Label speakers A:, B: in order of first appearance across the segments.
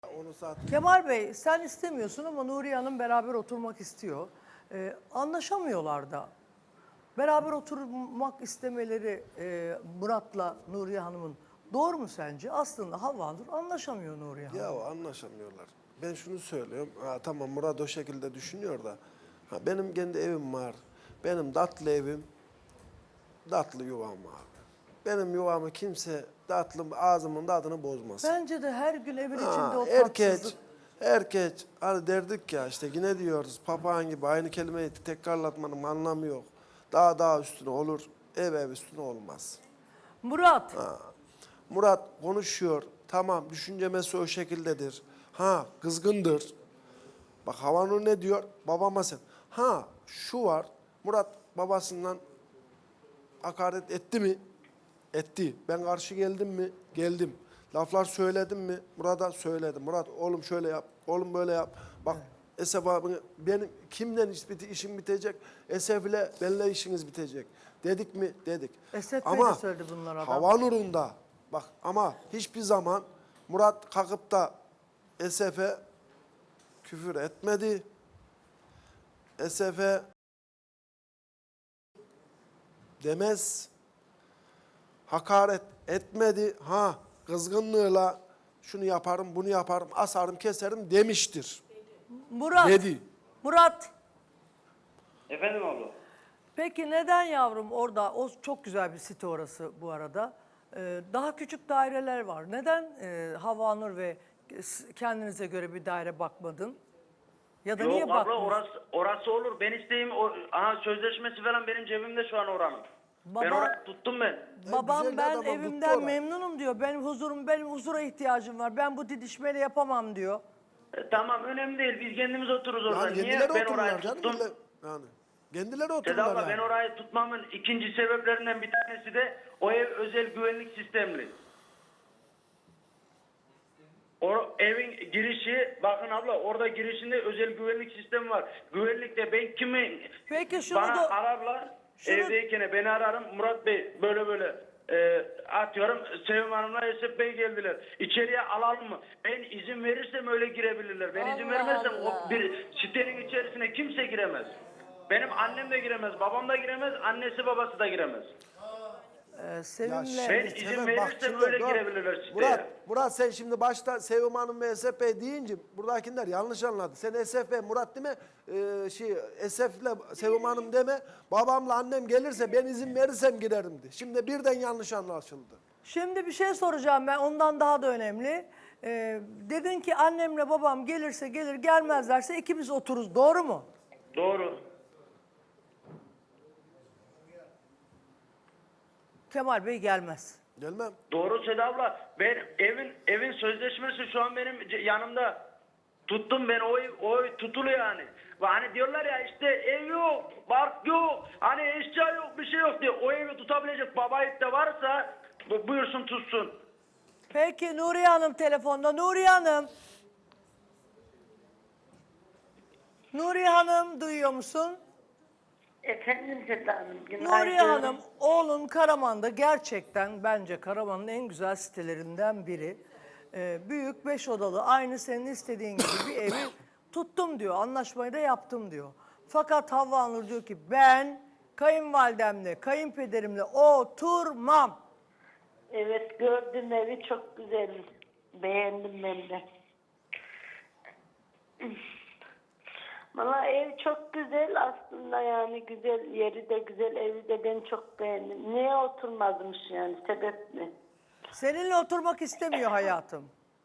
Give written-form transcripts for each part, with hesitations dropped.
A: Onu zaten...
B: Kemal Bey sen istemiyorsun ama Nuriye Hanım beraber oturmak istiyor. Anlaşamıyorlar da. Beraber oturmak istemeleri Murat'la Nuriye Hanım'ın doğru mu sence? Aslında Havvanur anlaşamıyor Nuriye Hanım.
A: Ya anlaşamıyorlar. Ben şunu söylüyorum. Ha, tamam Murat o şekilde düşünüyor da. Ha, benim kendi evim var. Benim tatlı evim, tatlı yuvam var. Benim yuvamı kimse ağzımın tadını bozmasın.
B: Bence de her gün evin içinde o
A: Erkeç,
B: tatsızlık.
A: hani derdik ya işte yine diyoruz papağan gibi aynı kelimeyi tekrarlatmanın anlamı yok. Daha üstüne olur, ev üstüne olmaz.
B: Murat.
A: Murat konuşuyor, tamam düşüncemesi o şekildedir. Ha kızgındır. Bak Havanur ne diyor? Babama sen. Ha şu var, Murat babasından hakaret etti mi? Etti. Ben karşı geldim mi? Geldim. Laflar söyledim mi? Murat'a söyledim. Murat oğlum şöyle yap, oğlum böyle yap. Bak Esef abi benim kimden işim bitecek? Esef ile benimle işiniz bitecek. Dedik mi? Dedik.
B: Esef Bey
A: Ama
B: de söyledi bunlar adam.
A: Havanur'un da bak ama hiçbir zaman Murat kalkıp da Esef'e küfür etmedi. Esef'e demez. Hakaret etmedi. Ha kızgınlığıyla şunu yaparım, bunu yaparım, asarım, keserim demiştir.
B: Murat.
A: Dedi.
B: Murat.
C: Efendim abla.
B: Peki neden yavrum orada, o çok güzel bir site orası bu arada. Daha küçük daireler var. Neden Havvanur ve kendinize göre bir daire bakmadın? Ya da niye
C: Yok abla
B: bakmıyorsun?
C: orası olur. Ben isteyeyim sözleşmesi falan benim cebimde şu an oranın. Ben orayı tuttum ben.
B: Babam
A: güzel de
B: ben
A: adam, tuttu
B: evimden
A: orayı.
B: memnunum diyor. Benim huzura ihtiyacım var. Ben bu didişmeyle yapamam diyor.
C: Tamam önemli değil. Biz kendimiz otururuz orada.
A: Yani
C: Niye
A: kendileri
C: ben orayı
A: otururlar canım.
C: tuttum?
A: Yani kendileri
C: Seda
A: otururlar
C: abla
A: yani.
C: ben orayı tutmamın ikinci sebeplerinden bir tanesi de o ev özel güvenlik sistemli. O evin girişi, bakın abla orada girişinde özel güvenlik sistemi var. Güvenlikte ben kimi
B: Peki şunu
C: bana
B: da-
C: ararlar,
B: şunu-
C: evdeyken beni ararım. Murat Bey böyle atıyorum Sevim Hanım'la Esef Bey geldiler. İçeriye alalım mı? Ben izin verirsem öyle girebilirler. Ben izin
B: Allah
C: vermezsem
B: Allah.
C: o bir sitenin içerisine kimse giremez. Benim annem de giremez, babam da giremez, annesi babası da giremez.
B: Sevim'le...
C: Ben izin verirsem öyle girebilirler siteye.
A: Murat sen şimdi başta Sevim Hanım ve Esef Bey deyince buradakiler yanlış anladı. Sen Esef Bey, Murat deme, Esef'le Sevim Hanım deme. Babamla annem gelirse ben izin verirsem girerim de. Şimdi birden yanlış anlaşıldı.
B: Şimdi bir şey soracağım ben, ondan daha da önemli. Dedin ki annemle babam gelirse gelir, gelmezlerse ikimiz otururuz. Doğru mu?
C: Doğru.
B: Kemal Bey gelmez.
A: Gelmem.
C: Doğru Seda abla. Ben evin sözleşmesi şu an benim yanımda. Tuttum ben o ev tutulu yani. Ve hani diyorlar ya işte ev yok, bark yok, hani eşya yok, bir şey yok diye. O evi tutabilecek babayit de varsa buyursun tutsun.
B: Peki Nuriye Hanım telefonda. Nuriye Hanım. Nuriye Hanım duyuyor musun?
D: Efendim Seda Hanım, günaydın.
B: Nuriye Hanım, oğlun Karaman'da gerçekten bence Karaman'ın en güzel sitelerinden biri. Büyük 5 odalı, aynı senin istediğin gibi bir evi tuttum diyor. Anlaşmayı da yaptım diyor. Fakat Havva Nur diyor ki ben kayınvalidemle, kayınpederimle oturmam.
D: Evet, gördüm evi çok güzel. Beğendim ben de. Valla ev çok güzel aslında, yani güzel, yeri de güzel, evi de ben çok beğendim. Niye oturmazmış yani, sebep mi?
B: Seninle oturmak istemiyor hayatım.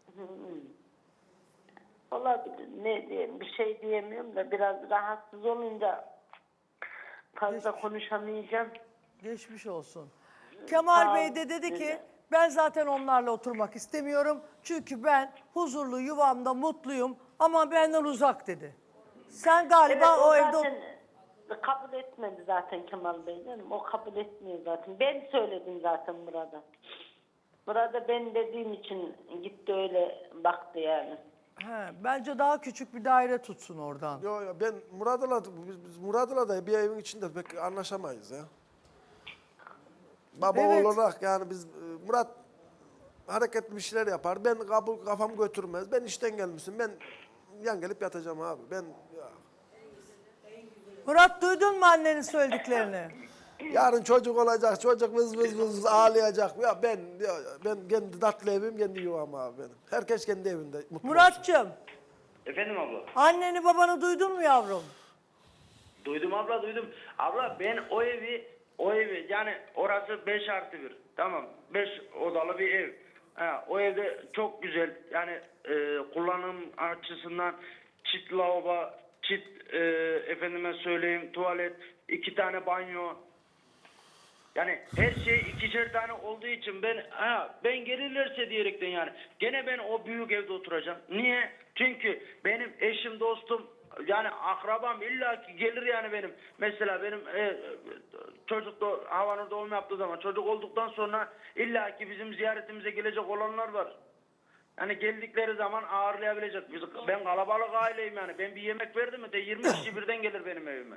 D: Olabilir, ne diyeyim, bir şey diyemiyorum da biraz rahatsız olunca fazla konuşamayacağım.
B: Geçmiş olsun. Kemal
D: Sağ
B: Bey
D: ol,
B: de dedi ki
D: güzel.
B: ben zaten onlarla oturmak istemiyorum. Çünkü ben huzurlu yuvamda mutluyum ama benden uzak dedi. Sen galiba
D: Evet,
B: o evde...
D: zaten kabul etmedi zaten Kemal Bey canım. O kabul etmiyor zaten. Ben söyledim zaten Murat'a. Murat'a ben dediğim için gitti öyle baktı yani.
B: Bence daha küçük bir daire tutsun oradan.
A: Yo ben biz Murat'la da bir evin içinde pek anlaşamayız ya. Baba
B: Evet.
A: olarak yani biz Murat hareketli bir şeyler yapar. Ben kafam götürmez. Ben işten gelmişim. Ben yan gelip yatacağım abi. Ben ya,
B: Murat duydun mu annenin söylediklerini?
A: yarın çocuk olacak. Çocuk vız vız vız ağlayacak. Ya ben kendi tatlı evim, kendi yuvam abi benim. Herkes kendi evinde mutlu olsun.
B: Muratçım,
C: Efendim abla.
B: anneni babanı duydun mu yavrum?
C: Duydum abla, duydum. Abla ben o evi yani orası 5+1. Tamam, 5 odalı bir ev. Ha, o evde çok güzel yani kullanım açısından çift lavabo, çift efendime söyleyeyim tuvalet, 2 tane banyo. Yani her şey 2'şer tane olduğu için ben gelirlerse diyerekten yani gene ben o büyük evde oturacağım. Niye? Çünkü benim eşim, dostum, yani akrabam illaki gelir yani benim. Mesela benim çocuk da Havanur doğum yaptığı zaman çocuk olduktan sonra illaki bizim ziyaretimize gelecek olanlar var. Yani geldikleri zaman ağırlayabilecek. Ben kalabalık aileyim yani. Ben bir yemek verdim mi de 20 kişi birden gelir benim evime.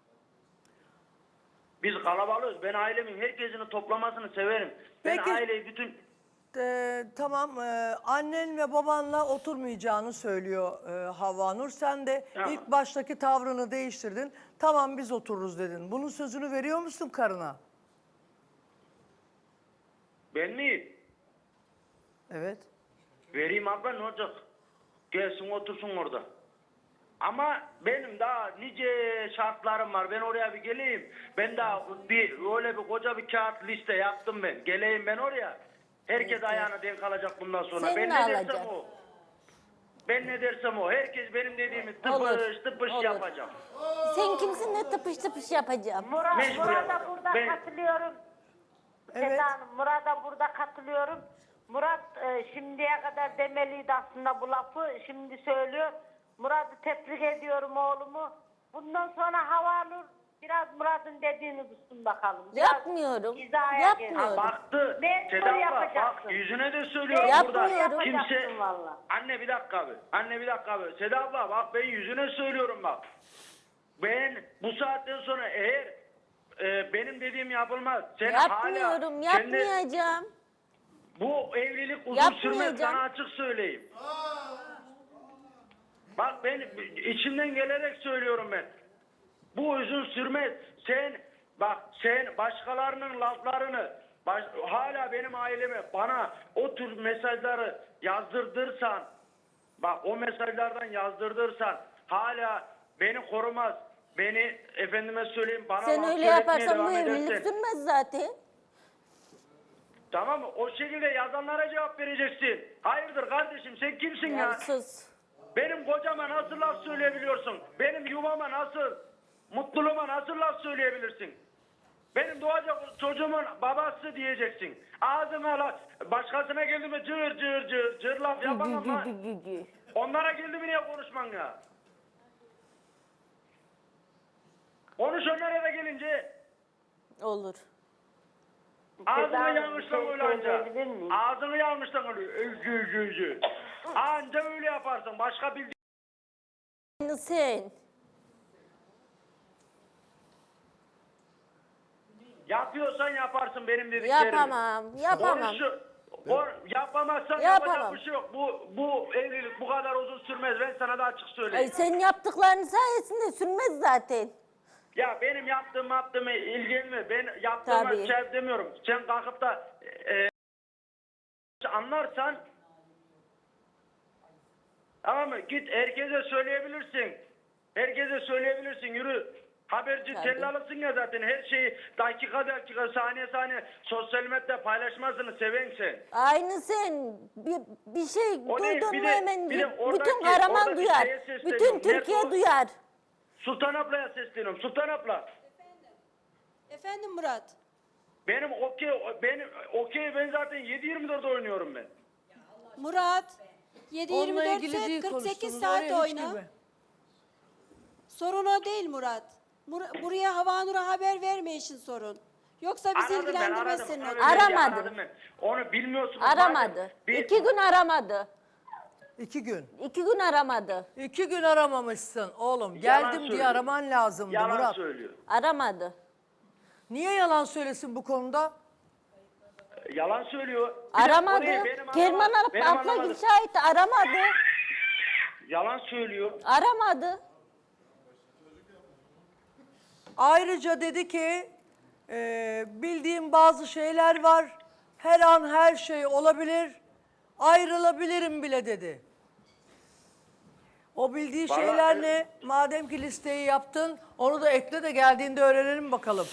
C: Biz kalabalığız. Ben ailemin herkesini toplamasını severim. Ben
B: Peki.
C: aileyi bütün...
B: Tamam, annen ve babanla oturmayacağını söylüyor Havanur. Sen de
C: Tamam.
B: ilk baştaki tavrını değiştirdin. Tamam biz otururuz dedin. Bunun sözünü veriyor musun karına?
C: Ben mi?
B: Evet.
C: Vereyim abla, ne olacak? Gelsin otursun orada. Ama benim daha nice şartlarım var. Ben oraya bir geleyim. Ben daha öyle bir koca bir kağıt liste yaptım ben. Geleyim ben oraya. Herkes ayağına denk alacak bundan sonra.
E: Sen
C: Ben
E: mi
C: ne dersem
E: alacaksın?
C: o. Ben ne dersem o. Herkes benim dediğimi
E: Olur,
C: tıpış tıpış
E: olur.
C: yapacağım.
E: Sen kimsin ne tıpış tıpış yapacağım?
C: Mecbur
D: Murat'a
C: yapacağım.
D: burada
C: Ben-
D: katılıyorum.
B: Evet.
D: Seda Hanım, Murat'a burada katılıyorum. Murat şimdiye kadar demeliydi aslında bu lafı. Şimdi söylüyor. Murat'ı tebrik ediyorum oğlumu. Bundan sonra Havanur biraz Murat'ın dediğini tutsun bakalım. Biraz
E: Yapmıyorum.
D: hizaya
E: Yapmıyorum.
D: gelin.
C: Baktı.
D: Mecbur
C: Seda abla
D: yapacaksın.
C: bak yüzüne de söylüyorum burada.
E: Yapmıyorum.
D: Yapacaksın valla.
C: Anne bir dakika abi. Anne bir dakika abi. Seda abla bak ben yüzüne söylüyorum bak. Ben bu saatten sonra eğer benim dediğim yapılmaz. Sen
E: Yapmıyorum.
C: hala kendi-
E: Yapmayacağım.
C: bu evlilik uzun
E: Yapmayacağım.
C: sürmez, sana açık söyleyeyim. Bak ben içimden gelerek söylüyorum ben. Bu uzun sürmez. Sen başkalarının laflarını hala benim aileme bana o tür mesajları yazdırdırsan, bak o mesajlardan yazdırdırsan hala beni korumaz. Beni efendime söyleyeyim bana
E: Sen
C: laf
E: öyle
C: söyletmeye
E: yaparsan bu
C: devam
E: evlilik
C: edersen-
E: sürmez zaten.
C: Tamam mı? O şekilde yazanlara cevap vereceksin. Hayırdır kardeşim, sen kimsin ya?
E: Ya sus.
C: Benim kocama nasıl laf söyleyebiliyorsun? Benim yuvama nasıl, mutluluğuma nasıl laf söyleyebilirsin? Benim doğacak çocuğumun babası diyeceksin. Ağzıma laf, başkasına geldi mi cır cır cır cır laf yapamam ama onlara geldi mi niye konuşman ya? Konuş onlara da gelince.
E: Olur.
C: Ağzını
D: Hanım,
C: yanmıştan
D: bir şey
C: öyle anca.
D: söyleyebilir miyim?
C: Ağzını yanmıştan öyle. Anca öyle yaparsın. Başka bildiğin...
E: Aynı sen.
C: Yapıyorsan yaparsın benim dediklerimi.
E: Yapamam. Yapamam.
C: Yapamazsan
E: Yapamam.
C: yapacak bir şey yok. Bu evlilik bu kadar uzun sürmez. Ben sana da açık
E: Ay,
C: söyleyeyim.
E: senin yaptıkların sayesinde sürmez zaten.
C: Ya benim yaptığımı ilgilenme. Ben yaptığıma
E: Tabii.
C: şey demiyorum. Sen kalkıp da anlarsan tamam mı? Git herkese söyleyebilirsin. Herkese söyleyebilirsin. Yürü. Haberci
E: Tabii.
C: tellalısın ya zaten. Her şeyi dakika saniye sosyal medyada paylaşmasını seven sen.
E: Aynı sen. Bir şey
C: O değil,
E: duydun
C: bir
E: mu
C: de-
E: hemen
C: bir de
E: bütün
C: oradaki
E: Karaman duyar.
C: şeye sesleniyorum.
E: Bütün
C: Nerede
E: Türkiye
C: o?
E: duyar.
C: Sultan ablaya sesleniyorum. Sultan abla.
F: Efendim Murat.
C: Ben zaten 7/24 oynuyorum ben.
F: Murat.
B: Onunla
F: 7-24
B: ilgili değil
F: saat 48
B: konuştunuz,
F: saat
B: oraya hiç
F: oyna.
B: girme.
F: Sorun o değil Murat. Buraya Havanur'a haber verme işin sorun. Yoksa bizi
C: Aradım ben,
F: ilgilendirmez
C: aradım.
F: senin
C: Öyle
F: adın.
C: değil,
E: Aramadım.
C: aradım ben. Onu bilmiyorsunuz.
E: Aramadı.
C: madem. Bir-
E: 2 gün aramadı.
B: 2 gün.
E: 2 gün aramadı.
B: 2 gün aramamışsın oğlum.
C: Yalan
B: Geldim diye
C: söylüyor.
B: araman lazımdı
C: Yalan
B: Murat.
C: söylüyor.
E: Aramadı.
B: Niye yalan söylesin bu konuda?
C: Yalan söylüyor. Bir de
E: Aramadı.
C: orayı benim
E: Kerman
C: benim
E: abla
C: anlamadım.
E: şahit aramadı.
C: Yalan söylüyor.
E: Aramadı.
B: Ayrıca dedi ki bildiğim bazı şeyler var. Her an her şey olabilir. Ayrılabilirim bile dedi. O bildiği
C: Vallahi
B: şeyler
C: evet.
B: ne? Madem ki listeyi yaptın onu da ekle de geldiğinde öğrenelim bakalım.